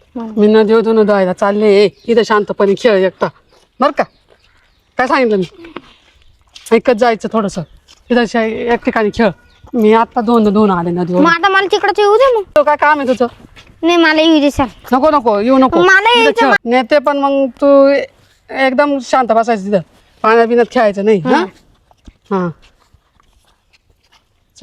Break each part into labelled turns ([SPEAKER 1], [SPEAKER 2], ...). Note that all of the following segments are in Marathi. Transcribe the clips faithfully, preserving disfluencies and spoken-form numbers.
[SPEAKER 1] मी नदीवर धुणं धुवायला चालले इथं शांतपणे खेळ एकटा बर का काय सांगितलं मी ऐकत जायचं थोडस इथं शा- एक ठिकाणी खेळ मी आता दोन दोन आले नदीवर
[SPEAKER 2] मग आता मला तिकडचं येऊ दे मग.
[SPEAKER 1] तो काय काम आहे तुझं
[SPEAKER 2] नाही मला येऊ दे सर.
[SPEAKER 1] नको नको येऊ नको
[SPEAKER 2] मला
[SPEAKER 1] इथं
[SPEAKER 2] यायचं
[SPEAKER 1] खेळ नेते पण मग तू एकदम शांत बसायचं तिथं पाण्यात बिण्यात खेळायचं नाही हा हा चल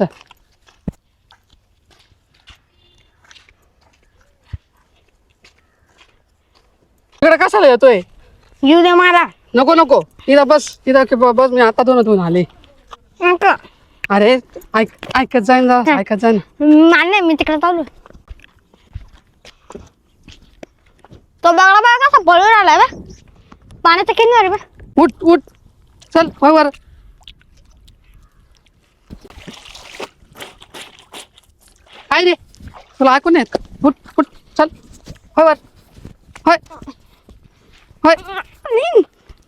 [SPEAKER 1] इकडे कशाला येतोय
[SPEAKER 2] येऊ दे मला.
[SPEAKER 1] नको नको इथं बस इथं की ब- बस मी आता दोन दोन आले
[SPEAKER 2] नको.
[SPEAKER 1] अरे ऐक ऐकत जाईन जरा ऐकत जाईन
[SPEAKER 2] मला नाही मी तिकडे चालू. तो बघा बघा कसा पळून आलाय बा पाण्याचा किनारी बा.
[SPEAKER 1] उठ उठ चल होय वर काय रे तुला ऐकून येत का? उठ उठ चल होय वर होय होय
[SPEAKER 2] नाही.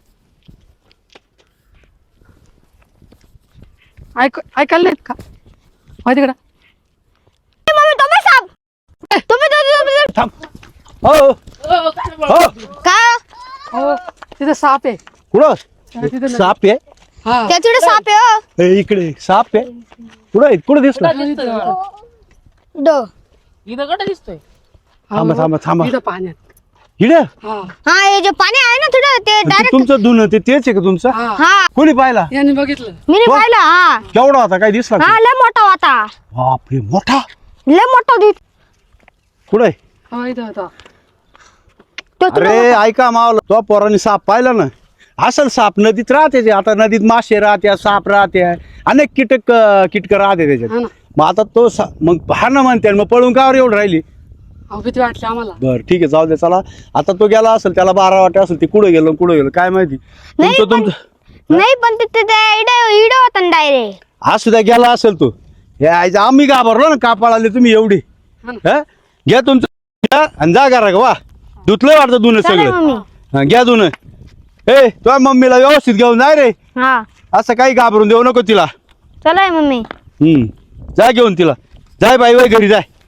[SPEAKER 1] ऐक ऐकायला नाहीत का होय तिकडं
[SPEAKER 2] मम्मी तो बस साप. तुम्ही तो- तो-
[SPEAKER 3] थांब हो हो
[SPEAKER 2] तो- काय
[SPEAKER 1] हो तिथं साप आहे
[SPEAKER 3] कुठं
[SPEAKER 1] तिथं नाही.
[SPEAKER 3] साप आहे
[SPEAKER 1] हा
[SPEAKER 2] त्याच्याकडे साप आहे हो.
[SPEAKER 3] हे इकडे साप आहे कुठं आहे कुठं दिसला
[SPEAKER 2] दो.
[SPEAKER 4] इथं कडे दिसतोय
[SPEAKER 3] थांबा थांबा थांबा
[SPEAKER 1] इथं पाण्यात
[SPEAKER 3] इकडे
[SPEAKER 1] हा
[SPEAKER 2] हा हे जे पाणी आहे ना थोडं ते डायरेक्ट.
[SPEAKER 3] तुमचं धुणं ते तेच आहे का तुमचं
[SPEAKER 1] हा
[SPEAKER 2] हा
[SPEAKER 3] कोणी पाहिला
[SPEAKER 1] यांनी बघितलं
[SPEAKER 2] मी नाही
[SPEAKER 3] हो?
[SPEAKER 2] पाहिलं. हा
[SPEAKER 3] केवढा होता काय दिसला
[SPEAKER 2] हा
[SPEAKER 3] का?
[SPEAKER 2] लय मोठा होता.
[SPEAKER 3] बापरे मोठा
[SPEAKER 2] लय मोठा होती.
[SPEAKER 3] कुठं आहे
[SPEAKER 1] हा इथं होता
[SPEAKER 2] तो तुला
[SPEAKER 3] अरे ऐका मावला तो पोरांनी साप पाहिला ना असल साप नदीत राहते ते. आता नदीत मासे राहते साप राहते अनेक कीटक कीटक राहते
[SPEAKER 1] हा
[SPEAKER 3] त्याच्यात
[SPEAKER 1] ना
[SPEAKER 3] मग आता तो सा- मग हा ना म्हणते मग पळून कावर एवढं राहिली
[SPEAKER 1] अहो भीती वाटली आम्हाला
[SPEAKER 3] बर ठीक आहे जाऊ दे चला आता तो गेला असेल त्याला बारा वाटे असेल ते कुठं गेलो कुठं गेलो काय माहिती
[SPEAKER 2] नाही,
[SPEAKER 3] तुमचं
[SPEAKER 2] पण-
[SPEAKER 3] तुमचं
[SPEAKER 2] नाही पण तिथे ते इडे इडे होता ना डायरेक्ट.
[SPEAKER 3] हा सुद्धा गेला असेल तो हे आयचं आम्ही घाबरलो ना कापाळ आले तुम्ही एवढी
[SPEAKER 1] हा ना.
[SPEAKER 3] हा घ्या तुमचं घ्या आणि जा करा वा धुतलं वाटतं धुणं
[SPEAKER 2] चालेल
[SPEAKER 3] सगळं
[SPEAKER 2] मम्मी.
[SPEAKER 3] हा, घ्या धुणं ए तुझ्या मम्मीला व्यवस्थित घेऊन जाय रे
[SPEAKER 2] हा
[SPEAKER 3] असं काही घाबरून देऊ नको तिला
[SPEAKER 2] चला मम्मी.
[SPEAKER 3] हम्म जा घेऊन तिला जाय बाई बाई घरी जाय